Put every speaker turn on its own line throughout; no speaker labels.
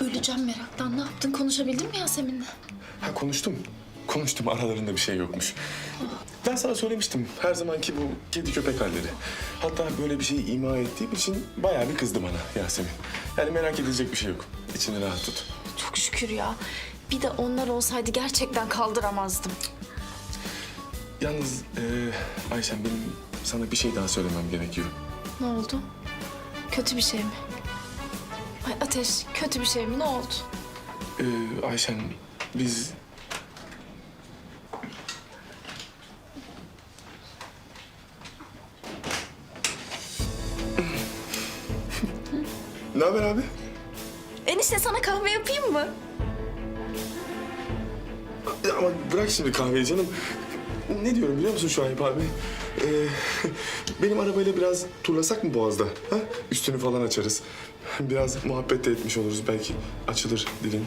öleceğim meraktan. Ne yaptın? Konuşabildin mi Yasemin'le?
Ha konuştum. Konuştum, aralarında bir şey yokmuş. Ben sana söylemiştim, her zamanki bu kedi köpek halleri. Hatta böyle bir şeyi ima ettiğim için bayağı bir kızdı bana Yasemin. Yani merak edilecek bir şey yok. İçini rahat tut.
Çok şükür ya. Bir de onlar olsaydı gerçekten kaldıramazdım.
Yalnız Ayşen, benim sana bir şey daha söylemem gerekiyor.
Ne oldu? Kötü bir şey mi? Ay Ateş, kötü bir şey mi? Ne oldu?
Ayşen, biz... Ne haber abi?
Enişte sana kahve yapayım mı?
Ama bırak şimdi kahveyi canım. Ne diyorum biliyor musun Şuayb abi? Benim arabayla biraz turlasak mı Boğaz'da? Ha? Üstünü falan açarız. Biraz muhabbet de etmiş oluruz. Belki açılır dilin.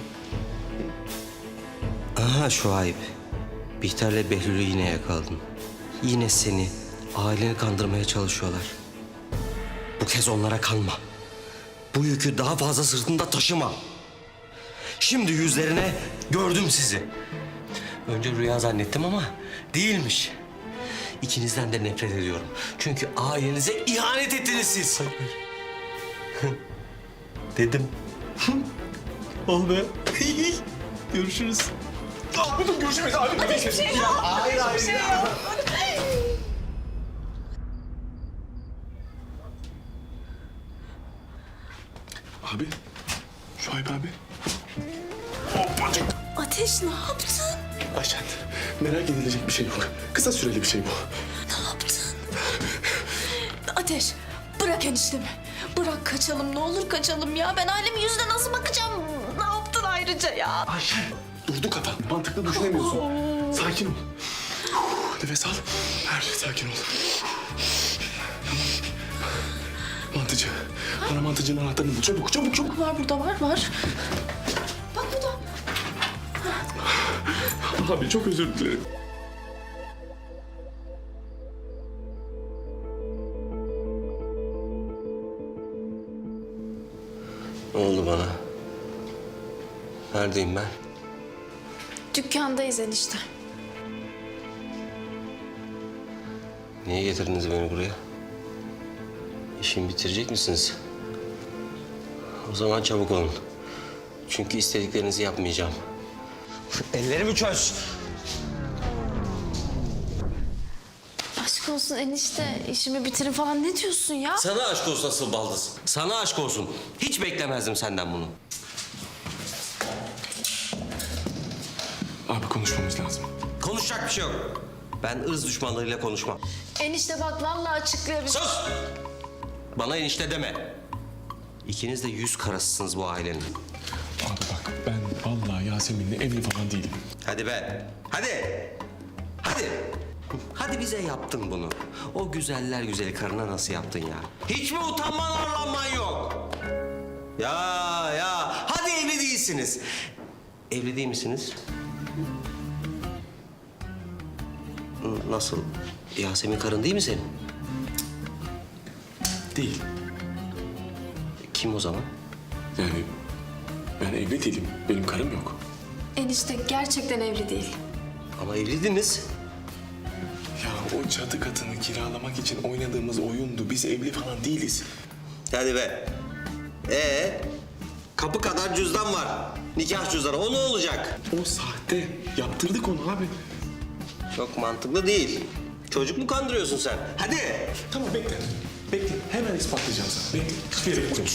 Aha Şuayb. Bihter'le Behlül'ü yine yakaladın. Yine seni, aileni kandırmaya çalışıyorlar. Bu kez onlara kalma. Bu yükü daha fazla sırtında taşıma. Şimdi yüzlerine gördüm sizi. Önce rüya zannettim ama değilmiş. İkinizden de nefret ediyorum. Çünkü ailenize ihanet ettiniz siz. Dedim. Ol be. Görüşürüz.
Görüşürüz abi.
Hiçbir şey yok.
Hayır, hayır.
Hiçbir şey yok.
Abi. Şuayb abi. Hoppacık.
Ateş ne yaptın?
Ayşen, merak edilecek bir şey yok. Kısa süreli bir şey bu.
Ne yaptın? Ateş, bırak eniştemi. Bırak kaçalım, ne olur kaçalım ya. Ben ailemin yüzüne nasıl bakacağım? Ne yaptın ayrıca ya?
Ayşen, durdu kafan. Mantıklı düşünemiyorsun. Sakin ol. Nefes al. Sakin ol. Tamam. Mantıcı. Bana mantıcının anahtarını bul. Çabuk, çabuk, çabuk.
Var burada, var. Bak burada.
Abi çok özür dilerim.
Ne oldu bana? Neredeyim ben?
Dükkandayız enişte.
Niye getirdiniz beni buraya? İşimi bitirecek misiniz? O zaman çabuk olun. Çünkü istediklerinizi yapmayacağım. Ellerimi çöz.
Aşk olsun enişte, işimi bitirin falan ne diyorsun ya?
Sana aşk olsun asıl baldız. Sana aşk olsun. Hiç beklemezdim senden bunu.
Abi konuşmamız lazım.
Konuşacak bir şey yok. Ben ırz düşmanlarıyla konuşmam.
Enişte bak vallahi açıklayabilirim.
Sus! Bana enişte deme. İkiniz de yüz karasısınız bu ailenin.
Abi bak, ben vallahi Yasemin'le evli falan değilim.
Hadi be. Hadi. Hadi. Hadi bize yaptın bunu. O güzeller güzeli karına nasıl yaptın ya? Hiç mi utanman arlanman yok? Ya. Hadi evli değilsiniz. Evli değil misiniz? Nasıl? Yasemin karın değil mi senin?
Değil.
Kim o zaman?
Yani ben evli değilim. Benim karım yok.
Enişte gerçekten evli değil.
Ama evliydiniz.
Ya o çatı katını kiralamak için oynadığımız oyundu. Biz evli falan değiliz.
Hadi be. Kapı kadar cüzdan var. Nikah cüzdanı. O ne olacak?
O sahte. Yaptırdık onu abi.
Çok mantıklı değil. Çocuk mu kandırıyorsun sen? Hadi.
Tamam bekle. Bekle. Hemen ispatlayacağım sana. Bekle. Hiçbir yere gitmiyorsun.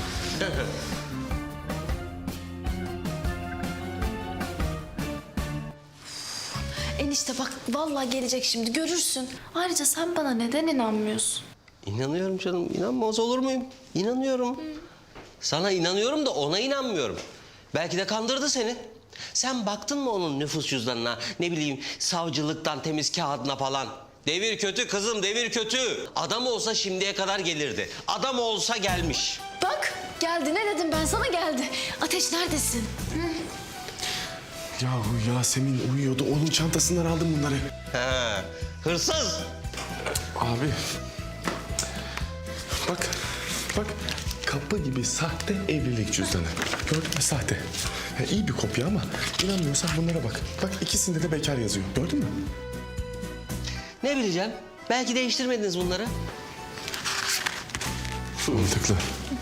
Enişte bak vallahi gelecek şimdi görürsün. Ayrıca sen bana neden inanmıyorsun?
İnanıyorum canım. İnanmaz olur muyum? İnanıyorum. Sana inanıyorum da ona inanmıyorum. Belki de kandırdı seni. Sen baktın mı onun nüfus cüzdanına, ne bileyim savcılıktan temiz kağıdına falan? Devir kötü kızım, devir kötü. Adam olsa şimdiye kadar gelirdi. Adam olsa gelmiş.
Bak geldi ne dedim ben sana geldi. Ateş neredesin?
Yahu Yasemin uyuyordu. Onun çantasından aldım bunları.
He, hırsız.
Abi. Bak. kapı gibi sahte evlilik cüzdanı. Gördün mü, sahte. Ya iyi bir kopya ama inanmıyorsan bunlara bak. Bak ikisinde de bekar yazıyor. Gördün mü?
Ne bileceğim? Belki değiştirmediniz bunları.
Mantıklı.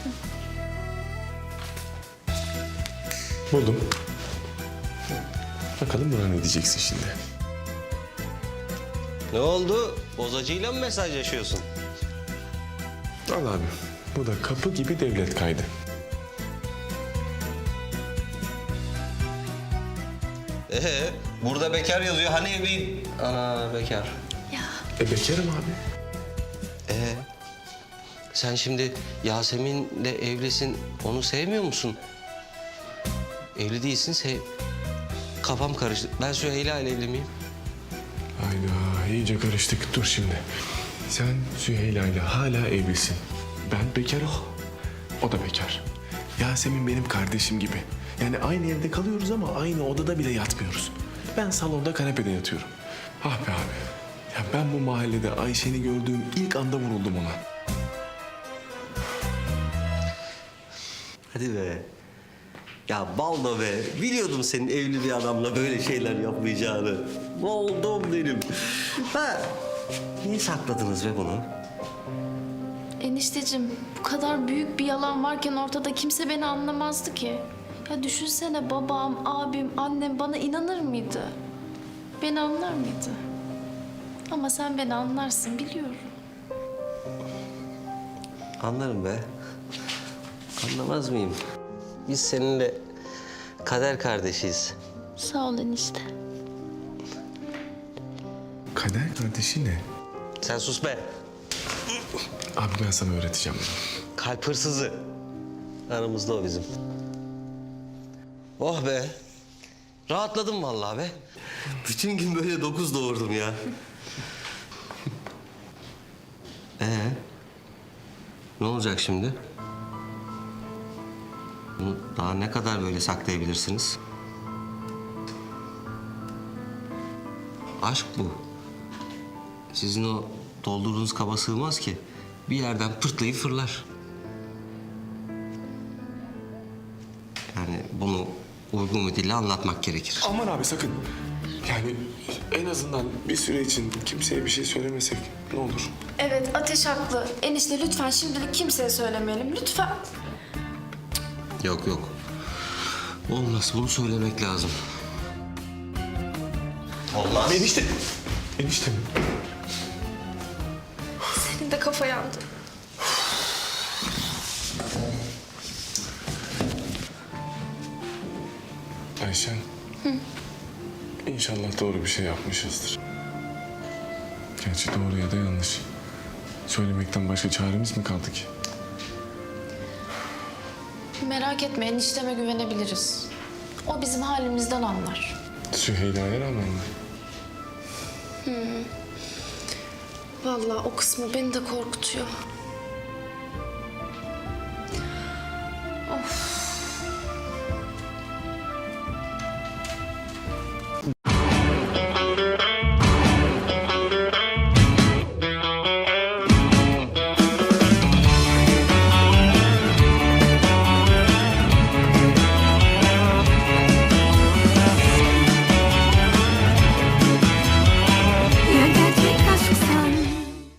Buldum. Bakalım buna ne diyeceksin şimdi?
Ne oldu? Bozacıyla mı mesajlaşıyorsun?
Al abi. Bu da kapı gibi devlet kaydı.
Burada bekar yazıyor. Hani evliyim? Ana bekar.
Bekarım abi.
Sen şimdi Yasemin'le evlisin. Onu sevmiyor musun? Evli değilsin. Kafam karıştı. Ben Süheyla ile evli miyim?
Hayda iyice karıştık. Dur şimdi. Sen Süheyla ile hala evlisin. Ben bekarım. O da bekar. Yasemin benim kardeşim gibi. Yani aynı evde kalıyoruz ama aynı odada bile yatmıyoruz. Ben salonda kanepede yatıyorum. Ah be abi. Ya ben bu mahallede Ayşe'ni gördüğüm ilk anda vuruldum ona.
Hadi be. Ya baldo be. Biliyordum senin evli bir adamla böyle şeyler yapmayacağını. Oldum benim. Ha. Niye sakladınız be bunu?
Enişteciğim bu kadar büyük bir yalan varken ortada kimse beni anlamazdı ki. Ya düşünsene babam, abim, annem bana inanır mıydı? Beni anlar mıydı? Ama sen beni anlarsın biliyorum.
Anlarım be. Anlamaz mıyım? Biz seninle kader kardeşiz.
Sağ ol enişte.
Kader kardeşi ne?
Sen sus be.
Abi ben sana öğreteceğim bunu.
Kalp hırsızı. Aramızda o bizim. Oh be. Rahatladım vallahi be. Bütün gün böyle 9 doğurdum ya. Ne olacak şimdi? Bunu daha ne kadar böyle saklayabilirsiniz? Aşk bu. Sizin o doldurduğunuz kaba sığmaz ki. Bir yerden pırtlayıp fırlar. Yani bunu uygun bir dille anlatmak gerekir.
Aman abi sakın. Yani en azından bir süre için kimseye bir şey söylemesek ne olur?
Evet Ateş haklı. Enişte lütfen şimdilik kimseye söylemeyelim lütfen.
Yok yok. Olmaz. Bunu söylemek lazım. Olmaz.
Enişte. Enişte mi?
Senin de kafa yandı.
Ayşen. İnşallah doğru bir şey yapmışızdır. Gerçi doğru ya da yanlış. Söylemekten başka çaremiz mi kaldı ki?
Merak etme enişteme güvenebiliriz. O bizim halimizden anlar.
Süheyla'ya rağmen mi?
Vallahi o kısmı beni de korkutuyor.